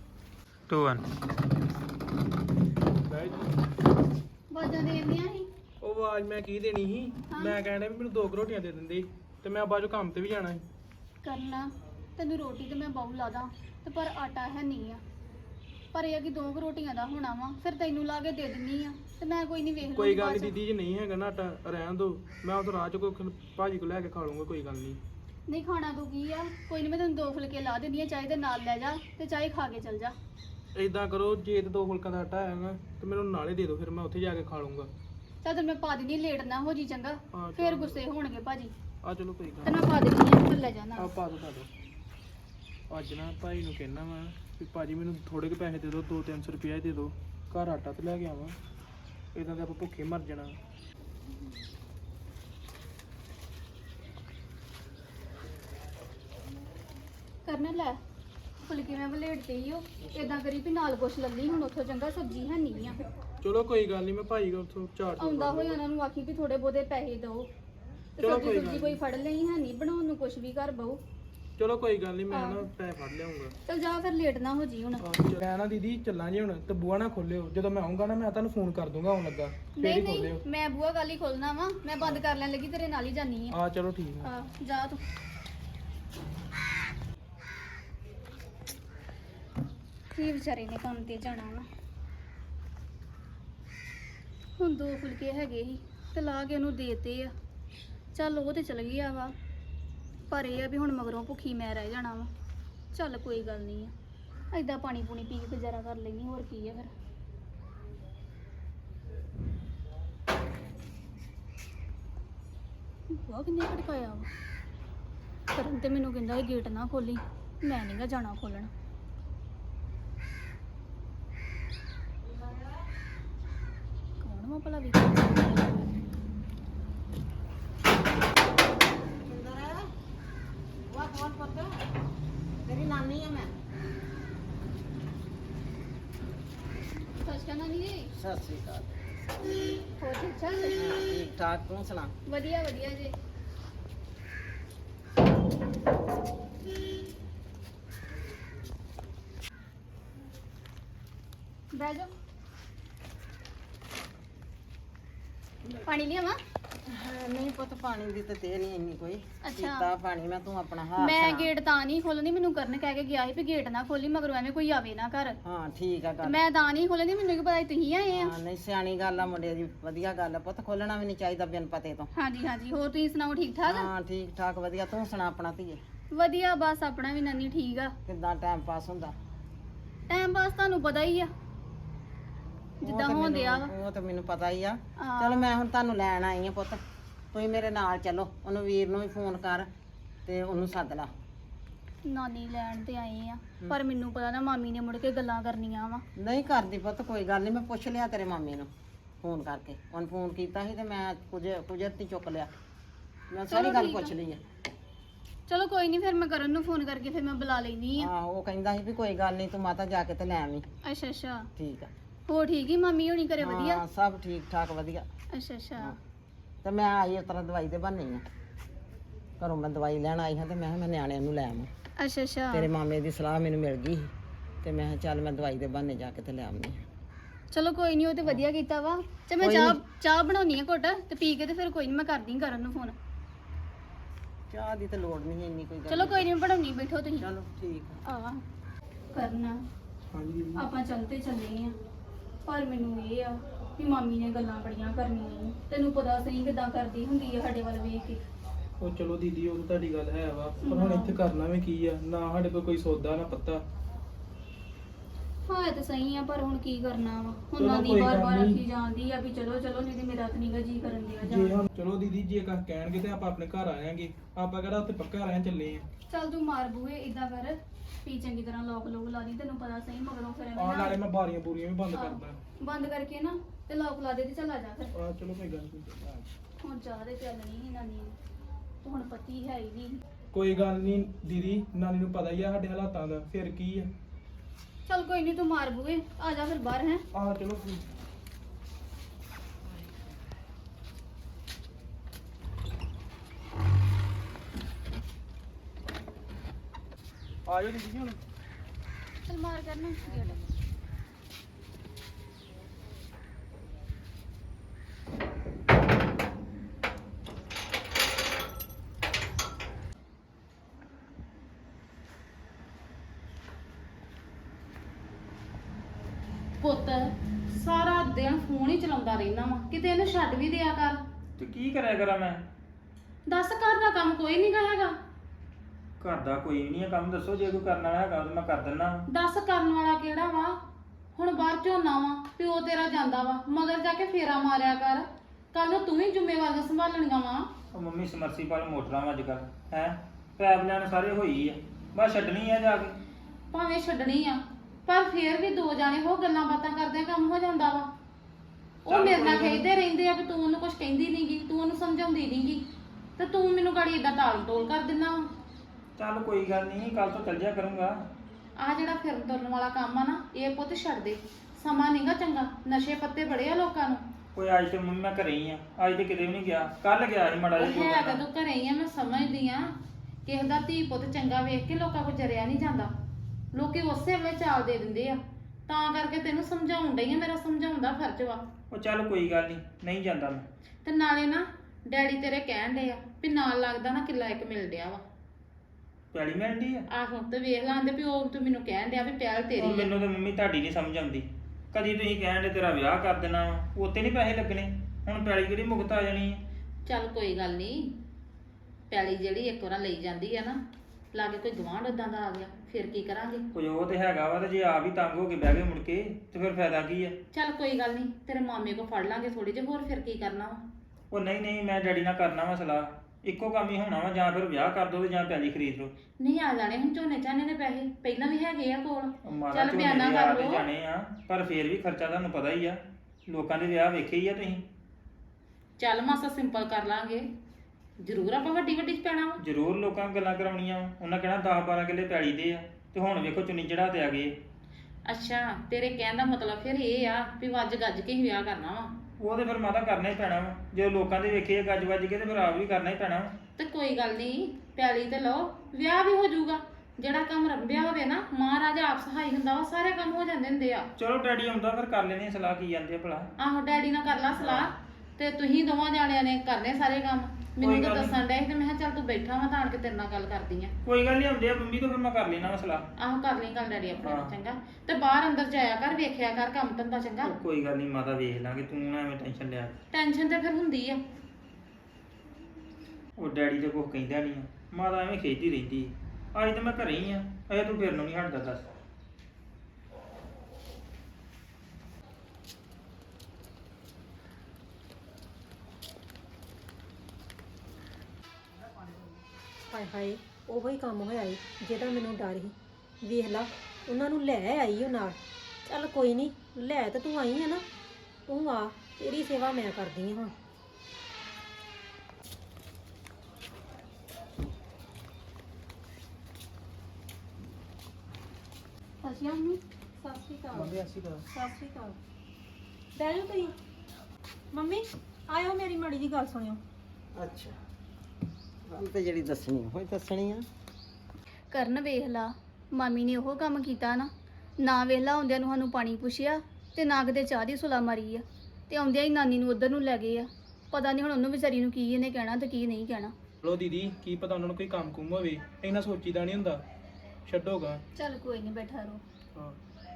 2 1 ਬਾਜਾਂ ਦੇਣੀਆਂ ਸੀ। ਉਹ ਆਵਾਜ਼ ਮੈਂ ਕੀ ਦੇਣੀ ਸੀ ਮੈਂ ਕਹਿਣਾ ਵੀ ਮੈਨੂੰ 2 ਰੋਟੀਆਂ ਦੇ ਦਿੰਦੇ ਤੇ ਮੈਂ ਬਾਅਦ ਚੋਂ ਕੰਮ ਤੇ ਵੀ ਜਾਣਾ ਸੀ। ਕਰਨਾ ਤੈਨੂੰ ਰੋਟੀ ਤੇ ਮੈਂ ਬਾਹੂ ਲਾ ਦਾਂ ਤੇ ਪਰ ਆਟਾ ਹੈ ਨਹੀਂ ਆ। ਪਰ ਇਹ ਆ ਕਿ 2 ਰੋਟੀਆਂ ਦਾ ਹੋਣਾ ਵਾ, ਫਿਰ ਤੈਨੂੰ ਲਾ ਕੇ ਦੇ ਦਿੰਨੀ ਆ ਤੇ ਮੈਂ ਕੋਈ ਨਹੀਂ ਵੇਖ ਕੋਈ ਲੂੰਗੀ ਗੱਲ ਬਾਅਦ ਨਹੀਂ ਚ। ਦੀਦੀ ਜੇ ਨਹੀਂ ਹੈਗਾ ਨਾ ਆਟਾ ਰਹਿਣ ਦੋ, ਮੈਂ ਉਹ ਰਾਹ ਚ ਕੋਈ ਭਾਜੀ ਕੋ ਲੈ ਕੇ ਖਾ ਲੂੰਗਾ, ਕੋਈ ਗੱਲ ਨਹੀਂ। ਨਹੀਂ ਖਾਣਾ ਤੂੰ ਕੀ ਆ, ਕੋਈ ਨਹੀਂ ਮੈਂ ਤੈਨੂੰ 2 ਫੁਲਕੇ ਲਾ ਦਿੰਦੀ ਆ, ਚਾਹੇ ਤੇ ਨਾਲ ਲੈ ਜਾ ਤੇ ਚਾਹੇ ਖਾ ਕੇ ਚੱਲ ਜਾ। ਏਦਾਂ ਕਰੋ, ਜੇ ਤੇ 2 ਫੁਲਕਾਂ ਦਾ ਆਟਾ ਹੈ ਨਾ ਤੇ ਮੈਨੂੰ ਨਾਲੇ ਦੇ ਦਿਓ, ਫਿਰ ਮੈਂ ਉੱਥੇ ਜਾ ਕੇ ਖਾ ਲੂੰਗਾ। ਚੱਲ ਤੈਨੂੰ ਮੈਂ ਪਾ ਦਿੰਦੀ ਆ, ਲੇਟ ਨਾ ਹੋ ਜੀ ਚੰਗਾ, ਹਾਂ, ਫਿਰ ਚਲੋ। ਗੁੱਸੇ ਹੋਣਗੇ ਭਾਜੀ। ਆ ਚਲੋ ਕੋਈ ਗੱਲ ਤੈਨੂੰ ਮੈਂ ਪਾ ਦਿੰਦੀ ਆ, ਫਿਰ ਲੈ ਜਾ ਆ ਨਾਲ। ਪਾ ਦੋ। ਅੱਜ ਨਾ ਭਾਈ ਨੂੰ ਕਹਿਣਾ ਵਾ ਵੀ ਭਾਜੀ ਮੈਨੂੰ ਥੋੜੇ ਕੁ ਪੈਸੇ ਦੇ ਦਿਓ, 200-300 ਰੁਪਇਆ ਹੀ ਦੇ ਦਿਓ, ਘਰ ਆਟਾ ਤੇ ਲੈ ਕੇ ਆਵਾਂ, ਇਦਾਂ ਤੇ ਆਪਾਂ ਭੁੱਖੇ ਮਰ ਜਾਣਾ। ਕਰਨਾ ਲੈ ਫੁਲਕੇ ਮੈਂ ਵਲੇਟਦੇ ਹੀ ਹੋ, ਏਦਾਂ ਕਰੀ ਵੀ ਨਾਲ ਕੁਛ ਲੱਲੀ ਹੁਣ ਉੱਥੋਂ ਚੰਗਾ, ਸਬਜ਼ੀ ਹੈ ਨਹੀਂ ਆ। ਚਲੋ ਕੋਈ ਗੱਲ ਨਹੀਂ, ਮੈਂ ਭਾਈ ਕੋਲ ਉੱਥੋਂ ਚਾਰ ਆਉਂਦਾ ਹੋਇਆ ਉਹਨਾਂ ਨੂੰ ਆਖੀ ਵੀ ਥੋੜੇ ਬਹੁਤੇ ਪੈਸੇ ਦਿਓ ਤੇ ਚਲੋ ਸਬਜ਼ੀ ਕੋਈ ਗੱਲ ਸੁਬਜ਼ੀ ਕੋਈ ਫੜ ਲਈ ਹੈ ਨਹੀਂ, ਬਣਾਉਣ ਨੂੰ ਕੁਛ ਵੀ ਕਰ ਬਹੁ। ਚਲੋ ਕੋਈ ਗੱਲ ਨਹੀਂ, ਮੈਂ ਨਾ ਪੈਸੇ ਫੜ ਲਿਆਉਂਗਾ। ਚਲ ਜਾ ਫਿਰ, ਲੇਟ ਨਾ ਹੋ ਜੀ ਹੁਣ। ਮੈਂ ਨਾ ਦੀਦੀ ਚੱਲਾਂ ਜੀ ਹੁਣ, ਤੇ ਬੂਆ ਨਾ ਖੋਲਿਓ, ਜਦੋਂ ਮੈਂ ਆਉਂਗਾ ਨਾ ਮੈਂ ਤੁਹਾਨੂੰ ਫੋਨ ਕਰ ਦੂੰਗਾ ਆਉਣ ਲੱਗਾ, ਫੇਰ ਨਹੀਂ ਹੀ ਨਹੀਂ ਖੋਲਿਓ। ਮੈਂ ਬੂਆ ਕੱਲ ਹੀ ਖੋਲਣਾ ਵਾ, ਮੈਂ ਬੰਦ ਕਰ ਲੈਣ ਲੱਗੀ, ਤੇਰੇ ਨਾਲ ਹੀ ਜਾਨੀ ਆ। ਆ ਚਲੋ ਠੀਕ ਆ। ਜਾ ਤੂੰ। ਕੀ ਵਿਚਾਰੇ ਨੇ ਕੰਮ ਤੇ ਜਾਣਾ ਵਾ, ਹੁਣ 2 ਫੁਲਕੇ ਹੈਗੇ ਸੀ ਤੇ ਲਾ ਕੇ ਉਹਨੂੰ ਦੇਤੇ ਆ। ਚੱਲ ਉਹ ਤੇ ਚਲ ਗਿਆ ਵਾ, ਪਰ ਇਹ ਆ ਵੀ ਹੁਣ ਮਗਰੋਂ ਭੁੱਖੀ ਮੈਂ ਰਹਿ ਜਾਣਾ ਵਾ। ਚੱਲ ਕੋਈ ਗੱਲ ਨਹੀਂ ਆ, ਏਦਾਂ ਪਾਣੀ ਪੂਣੀ ਪੀ ਕੇ ਗੁਜ਼ਾਰਾ ਕਰ ਲੈਣੀ, ਹੋਰ ਕੀ ਆ ਫਿਰ। ਬੁਆ ਕਿੰਨੇ ਖੜਕਾਇਆ ਵਾ, ਕਰਨ ਤੇ ਮੈਨੂੰ ਕਹਿੰਦਾ ਇਹ ਗੇਟ ਨਾ ਖੋਲੀ, ਮੈਂ ਨਹੀਂਗਾ ਜਾਣਾ ਖੋਲਣ। ਕੌਣ ਵਾ ਭਲਾ ਵੀ? ਵਾਹ ਕੌਣ ਪੁੱਤ? ਤੇਰੀ ਨਾਨੀ ਆ ਮੈਂ। ਸਸਕਾ ਨਾਨੀ ਜੀ, ਸਤਿ ਸ੍ਰੀ ਅਕਾਲ। ਹੋਰ ਠੀਕ ਠਾਕ? ਠੀਕ ਠਾਕ, ਤੂੰ ਸੁਣਾ? ਵਧੀਆ ਵਧੀਆ ਜੀ। ਬਹਿ ਜਾ, ਪਾਣੀ ਲਿਆਵਾਂ? ਨਹੀਂ ਪੁੱਤ, ਪਾਣੀ ਦੀ ਤੇ ਤੇ ਨਹੀਂ ਇੰਨੀ ਕੋਈ। ਅੱਛਾ। ਪੀਤਾ ਪਾਣੀ ਮੈਂ, ਤੂੰ ਆਪਣਾ ਹਾਲ ਮੈਂ ਸੁਣਾ। ਗੇਟ ਤਾਂ ਨਹੀਂ ਖੋਲਣੀ, ਮੈਨੂੰ ਕਰਨ ਕਹਿ ਕੇ ਗਿਆ ਸੀ ਵੀ ਗੇਟ ਨਾ ਖੋਲੀ, ਮਗਰੋਂ ਐਵੇਂ ਕੋਈ ਆਵੇ ਨਾ ਘਰ। ਹਾਂ ਠੀਕ ਆ ਤੇ ਗੱਲ। ਮੈਂ ਤਾਂ ਨਹੀਂ ਖੋਲਣੀ, ਮੈਨੂੰ ਕੀ ਪਤਾ ਸੀ ਤੁਸੀਂ ਆਏ ਆ। ਹਾਂ ਨਹੀਂ, ਸਿਆਣੀ ਗੱਲ ਆ ਮੁੰਡੇ ਦੀ, ਵਧੀਆ ਗੱਲ ਆ ਪੁੱਤ, ਖੋਲਣਾ ਵੀ ਨਹੀਂ ਚਾਹੀਦਾ ਬਿਨ ਪਤੇ ਤੋਂ। ਹਾਂਜੀ ਹਾਂਜੀ, ਹੋਰ ਤੁਸੀਂ ਸੁਣਾਓ, ਠੀਕ ਠਾਕ? ਹਾਂ ਠੀਕ ਠਾਕ ਵਧੀਆ, ਤੂੰ ਸੁਣਾ ਆਪਣਾ ਧੀਏ? ਵਧੀਆ, ਬਸ ਆਪਣਾ ਵੀ ਨਾਨੀ ਠੀਕ ਆ। ਕਿੱਦਾਂ ਟਾਈਮ ਪਾਸ ਹੁੰਦਾ? ਟਾਈਮ ਪਾਸ ਤੁਹਾਨੂੰ ਪਤਾ ਹੀ ਆ ਜਿੱਦਾਂ ਹੋਣ ਡਿਆ ਵਾ। ਉਹ ਤਾਂ ਮੈਨੂੰ ਪਤਾ ਹੀ ਆ। ਹਾਂ। ਚਲੋ ਮੈਂ ਹੁਣ ਤੁਹਾਨੂੰ ਲੈਣ ਆਈ ਆ ਪੁੱਤ, ਤੁਸੀਂ ਮੇਰੇ ਨਾਲ ਚੱਲੋ, ਉਹਨੂੰ ਵੀਰ ਨੂੰ ਵੀ ਫੋਨ ਕਰ ਤੇ ਉਹਨੂੰ ਸੱਦ ਲਾ। ਨਾਨੀ ਲੈਣ ਤੇ ਆਏ ਆ, ਪਰ ਮੈਨੂੰ ਪਤਾ ਨਾ ਮਾਮੀ ਨੇ ਮੁੜ ਕੇ ਗੱਲਾਂ ਕਰਨੀਆਂ ਵਾ। ਨਹੀਂ ਕਰਦੀ ਪੁੱਤ, ਕੋਈ ਗੱਲ ਨਹੀਂ, ਮੈਂ ਪੁੱਛ ਲਿਆ ਤੇਰੇ ਮਾਮੇ ਨੂੰ ਫੋਨ ਕਰਕੇ, ਉਹਨੇ ਫੋਨ ਕੀਤਾ ਸੀ ਤੇ ਮੈਂ ਕੁਦਰਤੀ ਚੁੱਕ ਲਿਆ, ਮੈਂ ਸਾਰੀ ਚਲੋ ਗੱਲ ਠੀਕ ਆ। ਪੁੱਛ ਲਈ ਆ। ਚਲੋ ਕੋਈ ਨਹੀਂ, ਫਿਰ ਮੈਂ ਕਰਨ ਨੂੰ ਫੋਨ ਕਰਕੇ ਫਿਰ ਮੈਂ ਬੁਲਾ ਲੈਣੀ ਆ। ਹਾਂ ਉਹ ਕਹਿੰਦਾ ਸੀ ਵੀ ਕੋਈ ਗੱਲ ਨਹੀਂ, ਤੂੰ ਮਾਤਾ ਜਾ ਕੇ ਤੇ ਲੈ ਆਵੀਂ। ਅੱਛਾ ਅੱਛਾ, ਠੀਕ ਆ। ਹੋ ਠੀਕ ਹੀ ਮਾਮੀ ਹੋਣੀ ਘਰੇ? ਵਧੀਆ। ਹਾਂ ਸਭ ਠੀਕ ਠਾਕ ਵਧੀਆ। ਅੱਛਾ ਅੱਛਾ, ਤੇ ਮੈਂ ਆਈ ਉਸ ਤਰ੍ਹਾਂ ਦਵਾਈ ਦੇ ਬਹਾਨੇ ਆ, ਘਰੋਂ ਮੈਂ ਦਵਾਈ ਲੈਣ ਆਈ ਹਾਂ ਤੇ ਮੈਂ ਕਿਹਾ ਮੈਂ ਨਿਆਣਿਆਂ ਨੂੰ ਲੈ ਆਵਾਂ। ਅੱਛਾ ਅੱਛਾ, ਤੇਰੇ ਮਾਮੇ ਦੀ ਸਲਾਹ ਮੈਨੂੰ ਮਿਲ ਗਈ ਸੀ ਤੇ ਮੈਂ ਕਿਹਾ ਚੱਲ ਮੈਂ ਦਵਾਈ ਦੇ ਬਹਾਨੇ ਜਾ ਕੇ ਤੇ ਲੈ ਆਉਂਦੀ ਹਾਂ। ਚਲੋ ਕੋਈ ਨਹੀਂ, ਉਹ ਤੇ ਵਧੀਆ ਕੀਤਾ ਵਾ। ਤੇ ਮੈਂ ਕੋਈ ਚਾਹ ਬਣਾਉਣੀ ਆ ਘੁੱਟ ਤੇ ਪੀ ਕੇ ਤੇ ਫਿਰ ਕੋਈ ਨਹੀਂ ਮੈਂ ਕਰਦੀ ਕਰਨ ਨੂੰ ਫੋਨ। ਚਾਹ ਦੀ ਤੇ ਲੋੜ ਨਹੀਂ ਇੰਨੀ ਕੋਈ ਗੱਲ। ਚਲੋ ਕੋਈ ਨਹੀਂ, ਬਣਾਉਣੀ, ਬੈਠੋ ਤੁਸੀਂ। ਚਲੋ ਠੀਕ ਆ। ਆ ਕਰਨਾ ਹਾਂਜੀ ਦੀਦੀ। ਆਪਾਂ ਚੱਲਦੇ ਚੱਲੇ ਆ, ਪਰ ਮੈਨੂੰ ਇਹ ਆ ਵੀ ਮਾਮੀ ਨੇ ਗੱਲਾਂ ਬੜੀਆਂ ਕਰਨੀਆਂ ਈ। ਤੈਨੂੰ ਪਤਾ ਸਹੀ ਕਿਦਾਂ ਕਰਦੀ ਹੁੰਦੀ ਆ ਸਾਡੇ ਵੱਲ ਵੇਖ ਕੇ। ਉਹ ਚਲੋ ਦੀਦੀ, ਉਹ ਤਾਂ ਤੁਹਾਡੀ ਗੱਲ ਹੈ ਵਾ, ਪਰ ਹੁਣ ਇੱਥੇ ਕਰਨਾ ਵੀ ਕੀ ਆ, ਨਾ ਸਾਡੇ ਕੋਲ ਕੋਈ ਸੌਦਾ ਨਾ ਪੱਤਾ। ਹਾਂ ਇਹ ਤਾਂ ਸਹੀ ਆ, ਪਰ ਹੁਣ ਕੀ ਕਰਨਾ ਵਾ, ਹੁਣ ਚਲੋ ਨਾਨੀ ਕੋਈ ਗੱਲ ਬਾਰ-ਬਾਰ ਨੀ। ਆਖੀ ਜਾਂਦੀ ਆ ਵੀ ਚਲੋ ਚਲੋ, ਨਹੀਂ ਤੇ ਮੇਰਾ ਤਾਂ ਨੀਗਾ ਜੀ ਕਰਨ ਦਿਆ ਜੇ ਜਾ। ਹੁਣ ਚਲੋ ਦੀਦੀ, ਜੇ ਕਹ ਕਹਿਣਗੇ ਤੇ ਆਪਾਂ ਆਪਣੇ ਘਰ ਆ ਜਾਾਂਗੇ, ਆਪਾਂ ਕਿਹੜਾ ਉੱਥੇ ਪੱਕਾ ਰਹਿਣ ਚੱਲੇ ਆ। ਚੱਲ ਤੂੰ ਮਾਰ ਬੂਏ, ਇਦਾਂ ਕਰ ਵੀ ਚੰਗੀ ਤਰ੍ਹਾਂ ਲੋਕ ਲਾ ਦੀ, ਤੈਨੂੰ ਪਤਾ ਸਹੀ ਮਗਰੋਂ ਫਿਰ ਐਵੇਂ ਆਹ ਨਾਲੇ ਨਾ ਮੈਂ ਬਾਰੀਆਂ ਬੂਰੀਆਂ ਵੀ ਬੰਦ ਆਹ, ਕਰਦਾ। ਬੰਦ ਕਰਕੇ ਨਾ ਤੇ ਲੋਕ ਲਾ ਦੇ ਤੇ ਚੱਲ ਆ ਜਾ ਫਿਰ। ਆ ਚਲੋ ਕੋਈ ਗੱਲ ਨਹੀਂ। ਹੁਣ ਚਾਹ ਦੇ ਚੱਲਣੀ ਸੀ ਨਾਨੀ ਨੂੰ, ਤੇ ਹੁਣ ਪਤੀ ਹੈ ਹੀ ਨਹੀਂ। ਕੋਈ ਗੱਲ ਨਹੀਂ ਦੀਦੀ, ਨਾਨੀ ਨੂੰ ਪਤਾ ਹੀ ਆ ਸਾਡੇ ਹਾਲਾਤਾਂ ਦਾ, ਫਿਰ ਕੀ ਆ। ਚੱਲ ਕੋਈ ਨਹੀਂ, ਤੂੰ ਮਾਰ ਬੂਏ, ਆ ਜਾ ਫਿਰ ਬਾਹਰ ਹੈ। ਆਹ ਚਲੋ ਆ ਜਾਓ ਦੀਦੀ ਹੁਣ। ਚੱਲ ਮਾਰ ਕਰਨਾ ਗੇਟ। ਪੁੱਤ ਸਾਰਾ ਦਿਨ ਫੋਨ ਹੀ ਚਲਾਉਂਦਾ ਰਹਿੰਦਾ ਵਾ, ਕਿਤੇ ਇਹਨੂੰ ਛੱਡ ਵੀ ਦਿਆ ਕਰ। ਤੇ ਕੀ ਕਰਿਆ ਕਰਾਂ ਮੈਂ? ਦੱਸ ਘਰ ਦਾ ਕੰਮ ਕੋਈ ਨਹੀਂ ਹੈਗਾ? ਘਰ ਦਾ ਕੋਈ ਵੀ ਨਹੀਂ ਹੈ ਕੰਮ, ਦੱਸੋ ਜੇ ਕੋਈ ਕਰਨ ਵਾਲਾ ਹੈਗਾ ਤਾਂ ਮੈਂ ਕਰ ਦਿੰਦਾ। ਦੱਸ ਕਰਨ ਵਾਲਾ ਕਿਹੜਾ ਵਾ? ਹੁਣ ਬਾਹਰ ਝੋਨਾ ਵਾ, ਪਿਓ ਤੇਰਾ ਜਾਂਦਾ ਵਾ, ਮਗਰ ਜਾ ਕੇ ਫੇਰਾ ਮਾਰਿਆ ਕਰ। ਕੱਲ ਨੂੰ ਤੂੰ ਵੀ ਜ਼ਿੰਮੇਵਾਰੀਆਂ ਸੰਭਾਲਣੀਆਂ ਵਾ। ਉਹ ਮੰਮੀ ਸਮਰਸੀਪਲ ਮੋਟਰਾਂ ਵਾ ਅੱਜ ਕੱਲ ਹੈ, ਪੈਪ ਲੈਣ ਸਾਰੇ ਹੋਈ ਆ, ਬਸ ਛੱਡਣੀ ਆ ਜਾ ਕੇ। ਭਾਵੇਂ ਛੱਡਣੀ ਆ, ਪਰ ਫੇਰ ਵੀ ਦੋ ਜਾਣੇ ਹੋ ਗੱਲਾਂ ਬਾਤਾਂ ਕਰਦੇ ਕੰਮ ਹੋ ਜਾਂਦਾ ਵਾ। ਉਹ ਚੱਲ ਮੇਰੇ ਨਾਲ ਕੋਈ ਨੀ। ਖੇਡਦੇ ਰਹਿੰਦੇ ਆ ਵੀ ਤੂੰ ਉਹਨੂੰ ਕੁਝ ਕਹਿੰਦੀ ਨਹੀਂਗੀ, ਤੂੰ ਉਹਨੂੰ ਸਮਝਾਉਂਦੀ ਨਹੀਂਗੀ, ਤੇ ਤੂੰ ਮੈਨੂੰ ਗਾੜੀ ਏਦਾਂ ਟਾਲ ਟੋਲ ਕਰ ਦਿੰਦਾ ਵਾ। ਚੱਲ ਕੋਈ ਗੱਲ ਨਹੀਂ, ਕੱਲ ਤੋਂ ਚੱਲ ਜਿਆ ਕਰੂੰਗਾ। ਆਹ ਜਿਹੜਾ ਫਿਰਨ ਤੁਰਨ ਵਾਲਾ ਕੰਮ ਆ ਨਾ, ਇਹ ਪੁੱਤ ਛੱਡ ਦੇ। ਸਮਾਂ ਨਹੀਂਗਾ ਚੰਗਾ, ਨਸ਼ੇ ਪੱਤੇ ਬੜੇ ਆ ਲੋਕਾਂ ਨੂੰ। ਕੋਈ ਅੱਜ ਤੇ ਮੰਮੀ ਮੈਂ ਘਰੇ ਹੀ ਆ, ਅੱਜ ਤੇ ਕਿਤੇ ਵੀ ਨਹੀਂ ਗਿਆ, ਕੱਲ ਗਿਆ ਸੀ ਮਾੜਾ ਉਹ ਜਿਹਾ ਹੈ ਤਾਂ ਤੂੰ ਘਰੇ ਹੀ ਆ, ਮੈਂ ਸਮਝਦੀ ਆ। ਕਿਸੇ ਦਾ ਧੀ ਪੁੱਤ ਚੰਗਾ ਵੇਖ ਕੇ ਲੋਕਾਂ ਕੋਲ ਜਰਿਆ ਨਹੀਂ ਜਾਂਦਾ, ਲੋਕੀ ਉਸੇ ਵੇਲੇ ਚਾਲ ਦੇ ਦਿੰਦੇ ਆ। ਤਾਂ ਕਰਕੇ ਤੈਨੂੰ ਸਮਝਾਉਣ ਡਈ ਆ, ਮੇਰਾ ਸਮਝਾਉਣ ਦਾ ਫਰਜ਼ ਵਾ। ਉਹ ਚੱਲ ਕੋਈ ਗੱਲ ਨਹੀਂ, ਨਹੀਂ ਜਾਂਦਾ ਮੈਂ। ਤੇ ਨਾਲੇ ਨਾ ਡੈਡੀ ਤੇਰੇ ਕਹਿਣ ਡੇ ਆ ਵੀ ਨਾਲ ਲੱਗਦਾ ਨਾ ਕਿੱਲਾ ਇੱਕ ਮਿਲ ਡਿਆ ਵਾ। ਪੈਲੀ ਮਿਲਦੀ ਆ? ਆਹੋ, ਤੇ ਵੇਖ ਲਾਂਦੇ ਵੀ ਉਹ ਤੂੰ ਮੈਨੂੰ ਕਹਿਣ ਡਿਆ ਵੀ ਪਿਆਲ ਉਹ ਤੇਰੀ ਆ। ਮੈਨੂੰ ਤੇ ਮੰਮੀ ਤੁਹਾਡੀ ਨਹੀਂ ਸਮਝ ਆਉਂਦੀ। ਕਦੀ ਤੁਸੀਂ ਕਹਿਣ ਦੇ ਤੇਰਾ ਵਿਆਹ ਕਰ ਦੇਣਾ ਵਾ, ਉੱਤੇ ਨਹੀਂ ਪੈਸੇ ਲੱਗਣੇ, ਹੁਣ ਪੈਲੀ ਕਿਹੜੀ ਮੁਕਤ ਆ ਜਾਣੀ ਆ। ਚੱਲ ਕੋਈ ਗੱਲ ਨਹੀਂ, ਪੈਲੀ ਜਿਹੜੀ ਇੱਕ ਵਾਰ ਲਈ ਜਾਂਦੀ ਆ ਨਾ, ਲਾਗੇ ਕੋਈ ਗਵਾਂਢ ਉਦਾਂ ਦਾ ਆ ਗਿਆ ਫਿਰ ਕੀ ਕਰਾਂਗੇ? ਕੋਈ ਉਹ ਤੇ ਹੈਗਾ ਵਾ, ਤੇ ਜੇ ਆਪ ਹੀ ਤੰਗ ਹੋ ਕੇ ਬਹਿ ਗਏ ਮੁੜ ਕੇ ਤੇ ਫਿਰ ਫਾਇਦਾ ਕੀ ਆ? ਚੱਲ ਕੋਈ ਗੱਲ ਨਹੀਂ, ਤੇਰੇ ਮਾਮੇ ਕੋ ਫੜ ਲਾਂਗੇ ਥੋੜੀ ਜਿਹੀ, ਹੋਰ ਫਿਰ ਕੀ ਕਰਨਾ ਵਾ। ਉਹ ਨਹੀਂ ਨਹੀਂ, ਮੈਂ ਡੈਡੀ ਨਾਲ ਕਰਨਾ ਵਾ ਸਲਾਹ, ਇੱਕੋ ਕੰਮ ਹੀ ਹੋਣਾ ਵਾ, ਜਾਂ ਫਿਰ ਵਿਆਹ ਕਰ ਦੋ ਤੇ ਜਾਂ ਪੈਲੀ ਖਰੀਦ ਲਓ। ਨਹੀਂ ਆ ਜਾਣੇ ਹੁਣ ਝੋਨੇ ਝਾਨੇ ਦੇ ਪੈਸੇ, ਪਹਿਲਾਂ ਵੀ ਹੈਗੇ ਆ ਕੋਲ। ਉਹ ਮਾਰਾ ਚੱਲ ਝੋਨੇ ਬਿਆਨਾ ਦੇ ਕਰ ਆ ਤੇ ਲਓ। ਜਾਣੇ ਆ, ਪਰ ਫੇਰ ਵੀ ਖਰਚਾ ਤੁਹਾਨੂੰ ਪਤਾ ਹੀ ਆ, ਲੋਕਾਂ ਦੇ ਵਿਆਹ ਵੇਖੇ ਹੀ ਆ ਤੁਸੀਂ। ਚੱਲ ਮਾਸਾ ਸਿੰਪਲ ਕਰ ਲਾਂਗੇ, ਜ਼ਰੂਰ ਆਪਾਂ ਵੱਡੀ ਵੱਡੀ ਚ ਪੈਣਾ ਵਾ। ਜ਼ਰੂਰ ਲੋਕਾਂ ਨੂੰ ਗੱਲਾਂ ਕਰਾਉਣੀਆਂ ਵਾ, ਉਹਨਾਂ ਕਹਿਣਾ 10-12 ਕਿੱਲੇ ਪੈਲੀ ਦੇ ਆ, ਤੇ ਹੁਣ ਵੇਖੋ ਚੁੰਨੀ ਚੜਾ ਤੇ ਆ ਗਏ। ਅੱਛਾ, ਤੇਰੇ ਕਹਿਣ ਦਾ ਮਤਲਬ ਫਿਰ ਇਹ ਆ ਵੀ ਵੱਜ ਗੱਜ ਕੇ ਹੀ ਵਿਆਹ ਕਰਨਾ ਵਾ। ਉਹ ਤੇ ਫਿਰ ਮਾਤਾ ਕਰਨਾ ਹੀ ਪੈਣਾ ਵਾ, ਜੇ ਲੋਕਾਂ ਦੇ ਵੇਖੇ ਗੱਜ ਵੱਜ ਕੇ ਤੇ ਫਿਰ ਆਪ ਵੀ ਕਰਨਾ ਹੀ ਪੈਣਾ ਵਾ। ਤੇ ਕੋਈ ਗੱਲ ਨਹੀਂ, ਪੈਲੀ ਤੇ ਲਓ, ਵਿਆਹ ਵੀ ਹੋ ਜਾਊਗਾ। ਜਿਹੜਾ ਕੰਮ ਰੰਭਿਆ ਹੋਵੇ ਨਾ, ਮਹਾਰਾਜਾ ਆਪ ਸਹਾਈ ਹੁੰਦਾ ਵਾ, ਸਾਰੇ ਕੰਮ ਹੋ ਜਾਂਦੇ ਹੁੰਦੇ ਆ। ਚਲੋ ਡੈਡੀ ਆਉਂਦਾ ਫਿਰ ਕਰ ਲੈਣੀ ਸਲਾਹ, ਕੀ ਜਾਂਦੇ ਆ ਭਲਾ। ਆਹੋ, ਡੈਡੀ ਨਾਲ ਕਰ ਲਾ ਸਲਾਹ, ਤੇ ਤੁਸੀਂ ਦੋਵਾਂ ਜਾਣਿਆਂ ਨੇ ਕਰਨੇ ਸਾਰੇ ਕੰਮ। ਮੈਨੂੰ ਕੋਈ ਤਾਂ ਗੱਲ ਨੀ। ਦੱਸਣ ਡਿਆ ਸੀ ਤੇ ਮੈਂ ਕਿਹਾ ਚੱਲ ਤੂੰ ਬੈਠਾ ਵਾ ਤਾਂ ਆਣ ਕੇ ਤੇਰੇ ਨਾਲ ਗੱਲ ਕਰਦੀ ਆ। ਕੋਈ ਗੱਲ ਨਹੀਂ, ਆਉਂਦੇ ਆ ਮੰਮੀ ਤੋਂ ਫਿਰ ਮੈਂ ਕਰ ਲੈਣਾ ਵਾ ਸਲਾਹ। ਆਹੋ, ਕਰ ਲਈ ਗੱਲ ਡੈਡੀ ਆਪਣੇ ਨਾਲ, ਹਾਂ। ਚੰਗਾ। ਤੇ ਬਾਹਰ ਅੰਦਰ ਜਾਇਆ ਕਰ, ਵੇਖਿਆ ਕਰ ਕੰਮ ਧੰਦਾ, ਚੰਗਾ। ਉਹ ਕੋਈ ਗੱਲ ਨਹੀਂ ਮਾਤਾ, ਵੇਖ ਲਾਂਗੇ, ਤੂੰ ਨਾ ਐਵੇਂ ਟੈਨਸ਼ਨ ਲਿਆ। ਟੈਨਸ਼ਨ ਤੇ ਫਿਰ ਹੁੰਦੀ ਆ। ਉਹ ਡੈਡੀ ਤੇ ਕੁਛ ਕਹਿੰਦਾ ਨਹੀਂ ਆ, ਮਾਤਾ ਐਵੇਂ ਖੇਚਦੀ ਰਹਿੰਦੀ ਆ। ਅੱਜ ਤੇ ਮੈਂ ਘਰੇ ਹੀ ਆ, ਅਜੇ ਤੂੰ ਫਿਰ ਨੂੰ ਨਹੀਂ ਹਟਦਾ, ਦੱਸ। ਹਾਏ ਹਾਏ, ਉਹੋ ਹੀ ਕੰਮ ਹੋਇਆ ਈ ਜਿਹਦਾ ਮੈਨੂੰ ਡਰ ਸੀ। ਵੇਖ ਲਾ, ਉਹਨਾਂ ਨੂੰ ਲੈ ਆਈ ਉਹ ਨਾਲ। ਚੱਲ ਕੋਈ ਨਹੀਂ, ਲੈ ਤੇ ਤੂੰ ਆਈ ਆ ਨਾ, ਤੂੰ ਆ, ਤੇਰੀ ਸੇਵਾ ਮੈਂ ਕਰਦੀ ਹਾਂ। ਸਸਿਆ ਮੰਮੀ, ਸਤਿ ਸ਼੍ਰੀ ਅਕਾਲ। ਮੰਮੀ ਅਸੀਂ ਤਾਂ ਸਤਿ ਸ਼੍ਰੀ ਅਕਾਲ। ਬਹਿ ਜਾਓ ਤੁਸੀਂ। ਮੰਮੀ ਆਇਓ, ਮੇਰੀ ਮਾੜੀ ਜੀ ਗੱਲ ਸੁਣਿਓ। ਅੱਛਾ, ਗੱਲ ਤੇ ਜਿਹੜੀ ਦੱਸਣੀ ਹੋਈ ਦੱਸਣੀ ਆ। ਕਰਨ ਵੇਖ ਲਾ, ਮਾਮੀ ਨੇ ਉਹ ਕੰਮ ਕੀਤਾ ਨਾ ਵੇਲਾ ਆਉਂਦਿਆਂ ਨੂੰ ਸਾਨੂੰ ਪਾਣੀ ਪੁੱਛਿਆ ਤੇ ਨਾ ਕਿਤੇ ਚਾਹ ਦੀ ਸੁਲਾ ਮਾਰੀ ਆ, ਤੇ ਆਉਂਦਿਆਂ ਹੀ ਨਾਨੀ ਨੂੰ ਉਧਰ ਨੂੰ ਲੈ ਗਏ ਆ। ਪਤਾ ਨਹੀਂ ਹੁਣ ਉਹਨੂੰ ਵਿਚਾਰੀ ਨੂੰ ਕੀ ਇਹਨੇ ਕਹਿਣਾ ਤੇ ਕੀ ਨਹੀਂ ਕਹਿਣਾ। ਲੋ ਦੀਦੀ, ਕੀ ਪਤਾ ਉਹਨਾਂ ਨੂੰ ਕੋਈ ਕੰਮ ਕੁੰਮ ਹੋਵੇ, ਇੰਨਾ ਸੋਚੀਦਾ ਨਹੀਂ ਹੁੰਦਾ, ਛੱਡੋਗਾ। ਚੱਲ ਕੋਈ ਨਹੀਂ, ਬੈਠਾ ਰਹੋ। ਹਾਂ।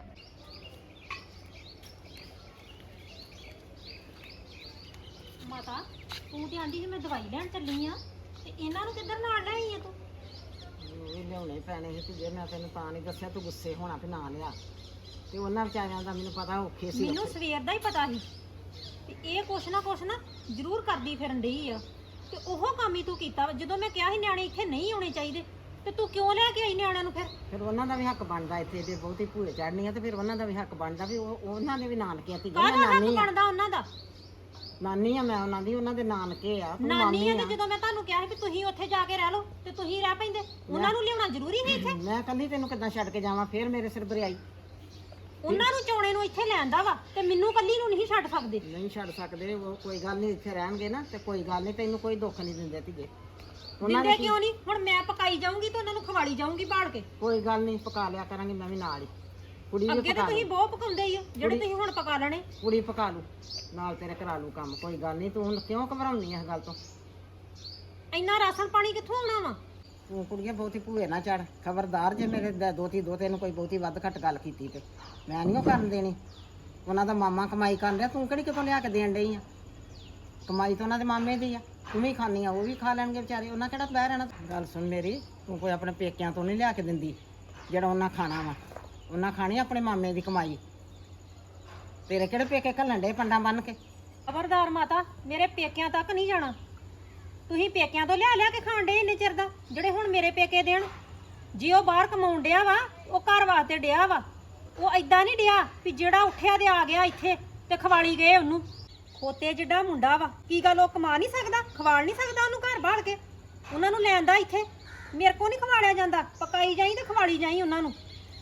ਮਾਤਾ, ਤੂੰ ਤੇ ਆਂਦੀ ਸੀ ਮੈਂ ਦਵਾਈ ਲੈਣ ਚੱਲੀ ਆ, ਤੇ ਇਹਨਾਂ ਨੂੰ ਕਿੱਧਰ ਨਾਲ ਲੈ ਆਈ ਆ ਤੂੰ? ਉਹ ਵੀ ਲਿਆਉਣੇ ਪੈਣੇ ਸੀ ਤੇ ਜੇ ਮੈਂ ਤੈਨੂੰ ਤਾਂ ਨਹੀਂ ਦੱਸਿਆ ਤੂੰ ਗੁੱਸੇ ਹੋਣਾ ਵੀ ਨਾ ਲਿਆ। ਤੇ ਉਹਨਾਂ ਵਿਚਾਰਿਆਂ ਦਾ ਮੈਨੂੰ ਪਤਾ ਔਖੇ ਸੀ। ਮੈਨੂੰ ਸਵੇਰ ਦਾ ਹੀ ਪਤਾ ਸੀ ਤੇ ਇਹ ਕੁਛ ਨਾ ਜ਼ਰੂਰ ਕਰਦੀ ਫਿਰਨ ਡਈ ਆ, ਤੇ ਉਹ ਕੰਮ ਹੀ ਤੂੰ ਕੀਤਾ ਵਾ। ਜਦੋਂ ਮੈਂ ਕਿਹਾ ਸੀ ਨਿਆਣੇ ਇੱਥੇ ਨਹੀਂ ਆਉਣੇ ਚਾਹੀਦੇ, ਤੇ ਤੂੰ ਕਿਉਂ ਲੈ ਕੇ ਆਈ ਨਿਆਣਿਆਂ ਨੂੰ? ਫਿਰ ਉਹਨਾਂ ਦਾ ਵੀ ਹੱਕ ਬਣਦਾ, ਇੱਥੇ ਜੇ ਬਹੁਤੀ ਭੂਏ ਚੜਨੀ ਆ ਤੇ ਫਿਰ ਉਹਨਾਂ ਦਾ ਵੀ ਹੱਕ ਬਣਦਾ ਵੀ ਉਹਨਾਂ ਦੇ ਵੀ ਨਾਨਕੇ ਆ। ਤੇ ਕਾਹਦਾ ਹੱਕ ਨਾਨੀ ਆ, ਬਣਦਾ ਉਹਨਾਂ ਦਾ? ਨਾਨੀ ਆ ਮੈਂ ਉਹਨਾਂ ਦੀ, ਉਹਨਾਂ ਦੇ ਨਾਨਕੇ ਆ, ਤੂੰ ਨਾਨੀ ਮਾਮੀ ਆ, ਆ। ਤੇ ਜਦੋਂ ਮੈਂ ਤੁਹਾਨੂੰ ਕਿਹਾ ਸੀ ਵੀ ਤੁਸੀਂ ਉੱਥੇ ਜਾ ਕੇ ਰਹਿ ਲਓ, ਤੇ ਤੁਸੀਂ ਰਹਿ ਪੈਂਦੇ। ਉਹਨਾਂ ਨੂੰ ਲਿਆਉਣਾ ਜ਼ਰੂਰੀ ਸੀ ਇੱਥੇ? ਮੈਂ ਕੱਲੀ ਤੈਨੂੰ ਕਿੱਦਾਂ ਛੱਡ ਕੇ ਜਾਵਾਂ? ਫਿਰ ਮੇਰੇ ਸਿਰ ਬਰਿਆਈ। ਉਹਨਾਂ ਨੂੰ ਚੋਣੇ ਨੂੰ ਇੱਥੇ ਲੈਂਦਾ ਵਾ, ਤੇ ਮੈਨੂੰ ਕੱਲੀ ਨੂੰ ਨਹੀਂ ਛੱਡ ਸਕਦੇ। ਨਹੀਂ ਛੱਡ ਸਕਦੇ, ਉਹ ਕੋਈ ਗੱਲ ਨਹੀਂ, ਇੱਥੇ ਰਹਿਣਗੇ ਨਾ ਤੇ ਕੋਈ ਗੱਲ ਨਹੀਂ, ਤੈਨੂੰ ਕੋਈ ਦੁੱਖ ਨਹੀਂ ਦਿੰਦੇ ਧੀਏ। ਦਿੰਦੇ ਕਿਉਂ ਨਹੀਂ? ਹੁਣ ਮੈਂ ਪਕਾਈ ਜਾਊਂਗੀ ਤੇ ਉਹਨਾਂ ਨੂੰ ਖਵਾਲੀ ਜਾਊਂਗੀ ਬਾੜ ਕੇ। ਕੋਈ ਗੱਲ ਨਹੀਂ, ਪਕਾ ਲਿਆ ਕਰਾਂਗੀ ਮੈਂ ਵੀ ਨਾਲ ਹੀ। ਕੁੜੀ ਵੀ ਅੱਗੇ ਤਾਂ ਪਕਾ ਤੁਸੀਂ ਲੂ, ਬਹੁਤ ਪਕਾਉਂਦੇ ਹੀ ਹੋ, ਜਿਹੜੇ ਤੁਸੀਂ ਹੁਣ ਪਕਾ ਲੈਣੇ। ਕੁੜੀ ਪਕਾ ਲੂ, ਨਾਲ ਤੇਰੇ ਕਰਾ ਲੂ ਕੰਮ। ਕੋਈ ਗੱਲ ਨਹੀਂ, ਤੂੰ ਹੁਣ ਕਿਉਂ ਘਬਰਾਉਣੀ ਇਸ ਗੱਲ ਤੋਂ? ਇੰਨਾ ਰਾਸ਼ਨ ਪਾਣੀ ਕਿੱਥੋਂ ਆਉਣਾ ਵਾ? ਤੂੰ ਕੁੜੀਆਂ ਬਹੁਤੀ ਭੂਏ ਨਾ ਚੜ, ਖਬਰਦਾਰ ਜੇ ਮੇਰੇ ਦੋਤੇ ਨੂੰ ਕੋਈ ਬਹੁਤੀ ਵੱਧ ਘੱਟ ਗੱਲ ਕੀਤੀ ਤੇ ਮੈਂ ਨਹੀਂ ਉਹ ਕਰਨ ਦੇਣੀ। ਉਹਨਾਂ ਦਾ ਮਾਮਾ ਕਮਾਈ ਕਰਨ ਰਿਹਾ, ਤੂੰ ਕਿਹੜੀ ਕਿਤੋਂ ਲਿਆ ਕੇ ਦੇਣ ਡਈ ਆ? ਕਮਾਈ ਤਾਂ ਉਹਨਾਂ ਦੇ ਮਾਮੇ ਦੀ ਆ, ਤੂੰ ਵੀ ਖਾਣੀ ਆ, ਉਹ ਵੀ ਖਾ ਲੈਣਗੇ ਵਿਚਾਰੇ, ਉਹਨਾਂ ਕਿਹੜਾ ਬਹਿ ਰਹਿਣਾ। ਗੱਲ ਸੁਣ ਮੇਰੀ, ਤੂੰ ਕੋਈ ਆਪਣੇ ਪੇਕਿਆਂ ਤੋਂ ਨਹੀਂ ਲਿਆ ਕੇ ਦਿੰਦੀ ਜਿਹੜਾ ਉਹਨਾਂ ਖਾਣਾ ਵਾ, ਉਹਨਾਂ ਖਾਣੀ ਆਪਣੇ ਮਾਮੇ ਦੀ ਕਮਾਈ। ਤੇਰੇ ਕਿਹੜੇ ਪੇਕੇ ਘੱਲਣ ਡੇ ਪੰਡਾਂ ਬੰਨ ਕੇ? ਖਬਰਦਾਰ ਮਾਤਾ, ਮੇਰੇ ਪੇਕਿਆਂ ਤੱਕ ਨਹੀਂ ਜਾਣਾ। ਤੁਸੀਂ ਪੇਕਿਆਂ ਤੋਂ ਲਿਆ ਕੇ ਖਾਣ ਡੇ ਇੰਨੇ ਚਿਰ ਦਾ, ਜਿਹੜੇ ਹੁਣ ਮੇਰੇ ਪੇਕੇ ਦੇਣ। ਜੇ ਉਹ ਬਾਹਰ ਕਮਾਉਣ ਡਿਆ ਵਾ, ਉਹ ਘਰ ਵਾਸਤੇ ਡਿਆ ਵਾ। ਉਹ ਐਦਾਂ ਨਹੀਂ ਡਿਆ ਵੀ ਜਿਹੜਾ ਉੱਠਿਆ ਤੇ ਆ ਗਿਆ ਇੱਥੇ ਤੇ ਖਵਾਲੀ ਗਏ ਉਹਨੂੰ। ਖੋਤੇ ਜਿੱਡਾ ਮੁੰਡਾ ਵਾ, ਕੀ ਗੱਲ ਉਹ ਕਮਾ ਨਹੀਂ ਸਕਦਾ, ਖਵਾਲ ਨਹੀਂ ਸਕਦਾ ਉਹਨੂੰ ਘਰ ਬਾਹਰ ਕੇ? ਉਹਨਾਂ ਨੂੰ ਲੈਂਦਾ ਇੱਥੇ, ਮੇਰੇ ਕੋ ਨਹੀਂ ਖਵਾਲਿਆ ਜਾਂਦਾ। ਪਕਾਈ ਜਾਈ ਤੇ ਖਵਾਲੀ ਜਾਈ ਉਹਨਾਂ ਨੂੰ।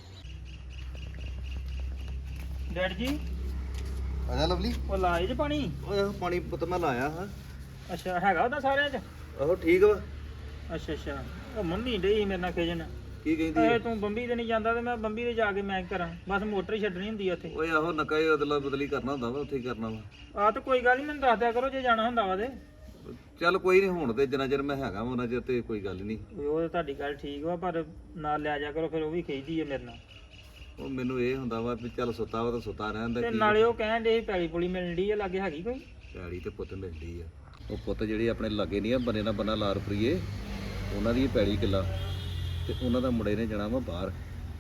ਡੈਡ ਜੀ ਆਜਾ ਲਵਲੀ। ਉਹ ਲਾਏ ਜੇ ਪਾਣੀ? ਓਏ ਪਾਣੀ ਪੁੱਤ ਮੈਂ ਲਾਇਆ ਹਾਂ। ਅੱਛਾ, ਹੈਗਾ ਉਹਦਾ ਸਾਰਿਆਂ 'ਚ? ਆਹੋ ਠੀਕ ਵਾ। ਅੱਛਾ ਅੱਛਾ, ਉਹ ਮੰਮੀ ਡਈ ਸੀ ਮੇਰੇ ਨਾਲ ਖੇਜਣ। ਕੀ ਕਹਿੰਦੀ? ਤੂੰ ਬੰਬੀ ਤੇ ਨਹੀਂ ਜਾਂਦਾ ਤੇ ਮੈਂ ਬੰਬੀ ਤੇ ਜਾ ਕੇ ਮੈਂ ਕੀ ਕਰਾਂ, ਬਸ ਮੋਟਰ ਹੀ ਛੱਡਣੀ ਹੁੰਦੀ ਆ ਉੱਥੇ। ਓਏ ਆਹੋ ਨਕਾ ਹੀ ਅਦਲਾ ਬਦਲੀ ਕਰਨਾ ਹੁੰਦਾ ਵਾ, ਉੱਥੇ ਹੀ ਕਰਨਾ ਵਾ। ਆ ਤਾਂ ਕੋਈ ਗੱਲ ਨਹੀਂ, ਮੈਨੂੰ ਦੱਸ ਦਿਆ ਕਰੋ ਜੇ ਜਾਣਾ ਹੁੰਦਾ ਵਾ ਤੇ। ਚੱਲ ਕੋਈ ਨਹੀਂ, ਹੁਣ ਤੇ ਜਿੰਨਾ ਚਿਰ ਮੈਂ ਹੈਗਾ ਉਹਨਾਂ ਚਿਰ ਤੇ ਕੋਈ ਗੱਲ ਨਹੀਂ। ਉਹ ਤਾਂ ਤੁਹਾਡੀ ਗੱਲ ਠੀਕ ਵਾ, ਪਰ ਨਾਲ ਲਿਆ ਜਾ ਕਰੋ, ਫਿਰ ਉਹ ਵੀ ਖੇਜਦੀ ਹੈ ਮੇਰੇ ਨਾਲ। ਉਹ ਮੈਨੂੰ ਇਹ ਹੁੰਦਾ ਵਾ ਵੀ ਚੱਲ ਸੁੱਤਾ ਵਾ ਤਾਂ ਸੁੱਤਾ ਰਹਿੰਦਾ। ਤੇ ਨਾਲੇ ਉਹ ਕਹਿਣ ਦੇ ਪੈਲੀ ਪੁਲੀ ਮਿਲਣ ਡਈ ਆ, ਲਾਗੇ ਹੈਗੀ ਕੋਈ? ਪੈੜੀ ਤੇ ਪੁੱਤ ਮਿਲਦੀ ਆ। ਉਹ ਪੁੱਤ ਜਿਹੜੀ ਆਪਣੇ ਲਾਗੇ ਨਹੀਂ ਆ, ਬੰਨੇ ਨਾਲ ਬੰਨਾ ਲਾ ਰੁਪਈਏ, ਉਹਨਾਂ ਦੀ ਪੈੜੀ ਕਿੱਲਾ, ਤੇ ਉਹਨਾਂ ਦਾ ਮੁੰਡੇ ਨੇ ਜਾਣਾ ਵਾ ਬਾਹਰ,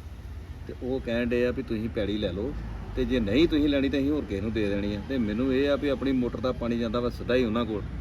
ਤੇ ਉਹ ਕਹਿਣ ਡੇ ਆ ਵੀ ਤੁਸੀਂ ਪੈੜੀ ਲੈ ਲਓ, ਤੇ ਜੇ ਨਹੀਂ ਤੁਸੀਂ ਲੈਣੀ ਤਾਂ ਅਸੀਂ ਹੋਰ ਕਿਸੇ ਨੂੰ ਦੇ ਦੇਣੀ ਆ। ਤੇ ਮੈਨੂੰ ਇਹ ਆ ਵੀ ਆਪਣੀ ਮੋਟਰ ਦਾ ਪਾਣੀ ਜਾਂਦਾ ਵਾ ਸਿੱਧਾ ਹੀ ਉਹਨਾਂ ਕੋਲ,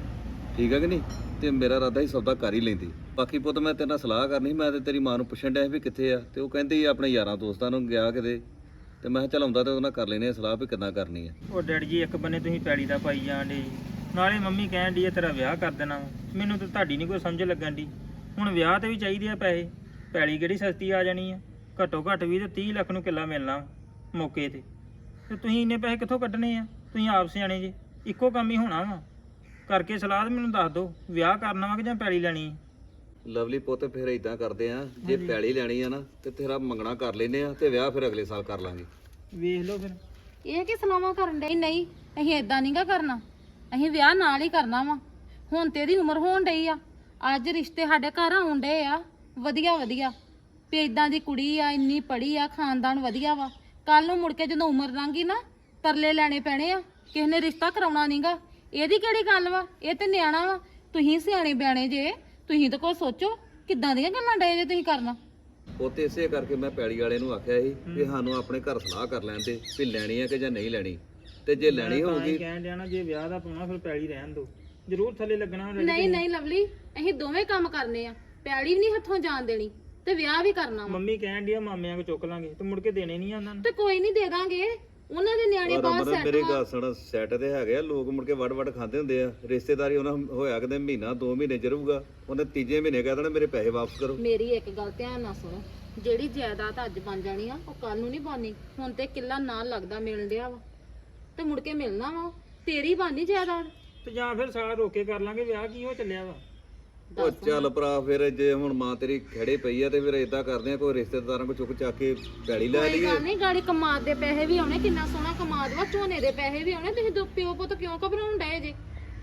ਠੀਕ ਆ ਕਿ ਨਹੀਂ? ਤੇ ਮੇਰਾ ਇਰਾਦਾ ਹੀ ਸੌਦਾ ਕਰ ਹੀ ਲੈਂਦੀ। ਬਾਕੀ ਪੁੱਤ ਮੈਂ ਤੇਰੇ ਨਾਲ ਸਲਾਹ ਕਰਨੀ, ਮੈਂ ਤੇ ਤੇਰੀ ਮਾਂ ਨੂੰ ਪੁੱਛਣ ਡਿਆ ਵੀ ਕਿੱਥੇ ਆ, ਤੇ ਉਹ ਕਹਿੰਦੀ ਆਪਣੇ ਯਾਰਾਂ ਦੋਸਤਾਂ ਨੂੰ ਗਿਆ ਕਿਤੇ, ਤੇ ਮੈਂ ਕਿਹਾ ਚੱਲ ਆਉਂਦਾ ਤੇ ਉਹਨਾਂ ਕਰ ਲੈਨੇ ਆ ਸਲਾਹ ਵੀ ਕਿੱਦਾਂ ਕਰਨੀ ਆ। ਉਹ ਡੈਡ ਜੀ, ਇੱਕ ਬੰਨੇ ਤੁਸੀਂ ਪੈਲੀ ਦਾ ਪਾਈ ਜਾਣ ਡੇ, ਨਾਲੇ ਮੰਮੀ ਕਹਿਣ ਡਈ ਆ ਤੇਰਾ ਵਿਆਹ ਕਰ ਦੇਣਾ। ਮੈਨੂੰ ਤਾਂ ਤੁਹਾਡੀ ਨਹੀਂ ਕੋਈ ਸਮਝ ਲੱਗਣ ਦੀ। ਹੁਣ ਵਿਆਹ ਤੇ ਵੀ ਚਾਹੀਦੇ ਆ ਪੈਸੇ, ਪੈਲੀ ਕਿਹੜੀ ਸਸਤੀ ਆ ਜਾਣੀ ਆ? ਘੱਟੋ ਘੱਟ ਵੀ ਤੇ 30 ਲੱਖ ਨੂੰ ਕਿੱਲਾ ਮਿਲਣਾ ਮੌਕੇ ਤੇ ਤੁਸੀਂ ਇੰਨੇ ਪੈਸੇ ਕਿੱਥੋਂ ਕੱਢਣੇ ਆ? ਤੁਸੀਂ ਆਪ ਸਿਆਣੇ ਜੇ, ਇੱਕੋ ਕੰਮ ਹੀ ਹੋਣਾ ਵਾ। ਕਰਕੇ ਸਲਾਹ ਮੈਨੂੰ ਦੱਸ ਦਿਓ, ਵਿਆਹ ਕਰਨਾ ਵਾ ਕਿ ਜਾਂ ਪੈਲੀ ਲੈਣੀ ਆ? ਲਵਲੀ ਪੁੱਤ ਫਿਰ ਇਦਾਂ ਕਰਦੇ ਆ, ਜੇ ਪੈਲੀ ਲੈਣੀ ਆ ਨਾ ਤੇ ਤੇਰਾ ਮੰਗਣਾ ਕਰ ਲੈਨੇ ਆ, ਤੇ ਵਿਆਹ ਫਿਰ ਅਗਲੇ ਸਾਲ ਕਰ ਲਾਂਗੇ। ਵੇਖ ਲਓ ਫਿਰ। ਇਹ ਕੀ ਸਲਾਹਾਂ ਕਰਨ ਡਈ? ਨਹੀਂ, ਅਸੀਂ ਏਦਾਂ ਨਹੀਂਗਾ ਕਰਨਾ, ਅਸੀਂ ਵਿਆਹ ਨਾਲ ਹੀ ਕਰਨਾ ਵਾ। ਹੁਣ ਤੇ ਇਹਦੀ ਉਮਰ ਹੋਣ ਡਈ ਆ, ਅੱਜ ਰਿਸ਼ਤੇ ਸਾਡੇ ਘਰ ਆਉਣ ਡੇ ਆ ਵਧੀਆ ਵਧੀਆ, ਵੀ ਇਦਾਂ ਦੀ ਕੁੜੀ ਆ, ਇੰਨੀ ਪੜ੍ਹੀ ਆ, ਖਾਨਦਾਨ ਵਧੀਆ ਵਾ। ਕੱਲ ਨੂੰ ਮੁੜ ਕੇ ਜਦੋਂ ਉਮਰ ਲੰਘੀ ਨਾ, ਤਰਲੇ ਲੈਣੇ ਪੈਣੇ ਆ, ਕਿਸੇ ਨੇ ਰਿਸ਼ਤਾ ਕਰਾਉਣਾ ਨਹੀਂਗਾ। ਇਹਦੀ ਕਿਹੜੀ ਗੱਲ ਵਾ? ਇਹ ਤੇ ਨਿਆਣਾ ਵਾ। ਤੁਸੀਂ ਸਿਆਣੇ ਬਿਆਣੇ ਜੇ, ਤੁਸੀਂ ਤਾਂ ਕੋਈ ਸੋਚੋ, ਕਿੱਦਾਂ ਦੀਆਂ ਗੱਲਾਂ ਡੇ ਜੇ ਤੁਸੀਂ ਕਰਨਾ। ਉਹ ਤੇ ਇਸੇ ਕਰਕੇ ਮੈਂ ਪੈਲੀ ਵਾਲੇ ਨੂੰ ਆਖਿਆ ਸੀ ਵੀ ਸਾਨੂੰ ਆਪਣੇ ਘਰ ਸਲਾਹ ਕਰ ਲੈਣ ਦੇ ਵੀ ਲੈਣੀ ਆ ਕਿ ਜਾਂ ਨਹੀਂ ਲੈਣੀ, ਤੇ ਜੇ ਲੈਣੀ ਹੋਊਗੀ ਕਹਿਣ ਡਿਆ ਨਾ, ਜੇ ਵਿਆਹ ਦਾ ਪਾਉਣਾ ਫਿਰ ਪੈਲੀ ਰਹਿਣ ਦਿਓ, ਜ਼ਰੂਰ ਥੱਲੇ ਲੱਗਣਾ। ਨਹੀਂ ਨਹੀਂ ਲਵਲੀ, ਅਸੀਂ ਦੋਵੇਂ ਕੰਮ ਕਰਨੇ ਆ, ਪੈਲੀ ਵੀ ਨਹੀਂ ਹੱਥੋਂ ਜਾਣ ਦੇਣੀ ਤੇ ਵਿਆਹ ਵੀ ਕਰਨਾ ਵਾ। ਮੰਮੀ ਕਹਿਣ ਡਈ ਆ ਮਾਮਿਆਂ ਕੋ ਚੁੱਕ ਲਾਂਗੇ ਤੇ ਮੁੜ ਕੇ ਦੇਣੇ ਨਹੀਂ ਆ ਉਹਨਾਂ ਨੂੰ। ਤੇ ਕੋਈ ਨਹੀਂ ਦੇ ਦਾਂਗੇ, ਉਹਨਾਂ ਦੇ ਨਿਆਣੇ ਬਾਹਰ ਸੈੱਟ ਮੇਰੇ ਵਾ। ਗੱਲ ਸੁਣ, ਸੈੱਟ ਤੇ ਹੈਗੇ ਆ ਲੋਕ, ਮੁੜ ਕੇ ਵੜ ਵੜ ਖਾਂਦੇ ਹੁੰਦੇ ਆ। ਰਿਸ਼ਤੇਦਾਰੀ ਉਹਨਾਂ ਹੋਇਆ ਕਿਤੇ ਮਹੀਨਾ 2 ਮਹੀਨੇ ਚ ਰਹੂਗਾ, ਉਹਨੇ ਤੀਜੇ ਮਹੀਨੇ ਕਹਿ ਦੇਣਾ ਮੇਰੇ ਪੈਸੇ ਵਾਪਸ ਕਰੋ। ਮੇਰੀ ਇੱਕ ਗੱਲ ਧਿਆਨ ਨਾਲ ਸੁਣੋ, ਜਿਹੜੀ ਜਾਇਦਾਦ ਅੱਜ ਬਣ ਜਾਣੀ ਆ ਉਹ ਕੱਲ ਨੂੰ ਨਹੀਂ ਬਣਨੀ। ਹੁਣ ਤੇ ਕਿੱਲਾ ਨਾਲ ਲੱਗਦਾ ਮਿਲਣ ਡਿਆ ਵਾ, ਤੇ ਮੁੜ ਕੇ ਮਿਲਣਾ ਵਾ, ਤੇਰੀ ਬਣਨੀ ਜਾਇਦਾਦ। ਤੇ ਜਾਂ ਫਿਰ ਸਾਲ ਰੋਕੇ ਕਰ ਲਾਂਗੇ ਵਿਆਹ, ਕੀ ਹੋ ਚੱਲਿਆ ਵਾ? ਉਹ ਚੱਲ ਭਰਾ, ਫਿਰ ਜੇ ਹੁਣ ਮਾਂ ਤੇਰੀ ਖੜੇ ਪਈ ਆ ਤੇ ਫਿਰ ਏਦਾਂ ਕਰਦੇ ਆ, ਕੋਈ ਰਿਸ਼ਤੇਦਾਰਾਂ ਕੋ ਚੁੱਕ ਚੱਕ ਕੇ ਪੈੜੀ ਲੈ ਕੋਈ ਲਈਏ। ਗੱਲ ਨਹੀਂ, ਗਾੜੀ ਕਮਾਦ ਦੇ ਪੈਸੇ ਵੀ ਆਉਣੇ, ਕਿੰਨਾ ਸੋਹਣਾ ਕਮਾਦ ਵਾ, ਝੋਨੇ ਦੇ ਪੈਸੇ ਵੀ ਆਉਣੇ। ਤੁਸੀਂ ਦੋ ਪਿਓ ਪੁੱਤ ਕਿਉਂ ਘਬਰਾਉਣ ਡਏ ਜੇ?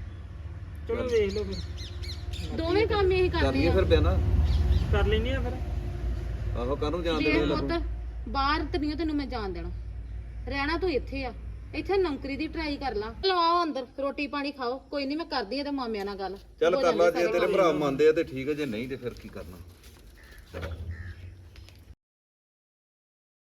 ਚਲੋ ਵੇਖ ਲਓ ਫਿਰ, ਦੋਵੇਂ ਕੰਮ ਇਹੀ ਕਰ ਕਰਨੇ ਲਈਏ ਆ। ਫਿਰ ਬਿਆਨਾ। ਕਰ ਲੈਨੇ ਆ ਫਿਰ। ਆਹੋ ਕਾਹਨੂੰ ਜਾਣ ਜੇ ਦੇਣੀ ਪੁੱਤ ਬਾਹਰ ਤਨੀਓ ਤੈਨੂੰ ਮੈਂ ਜਾਣ ਦੇਣਾ, ਰਹਿਣਾ ਤੂੰ ਇੱਥੇ ਆ, ਇੱਥੇ ਨੌਕਰੀ ਦੀ ਟਰਾਈ ਕਰ ਲਾ। ਚਲੋ ਆਓ ਅੰਦਰ, ਰੋਟੀ ਪਾਣੀ ਖਾਓ। ਕੋਈ ਨਹੀਂ, ਮੈਂ ਕਰਦੀ ਆ ਤੇ ਮਾਮਿਆਂ ਨਾਲ ਗੱਲ। ਚੱਲ ਹੋ ਕਰ ਲਾ, ਜਾਂਦੇ ਜੇ ਸਾਰੇ ਤੇਰੇ ਕੰਮ। ਭਰਾ ਮੰਨਦੇ ਆ ਤੇ ਠੀਕ ਹੈ, ਜੇ ਨਹੀਂ ਤੇ ਫਿਰ ਕੀ ਕਰਨਾ।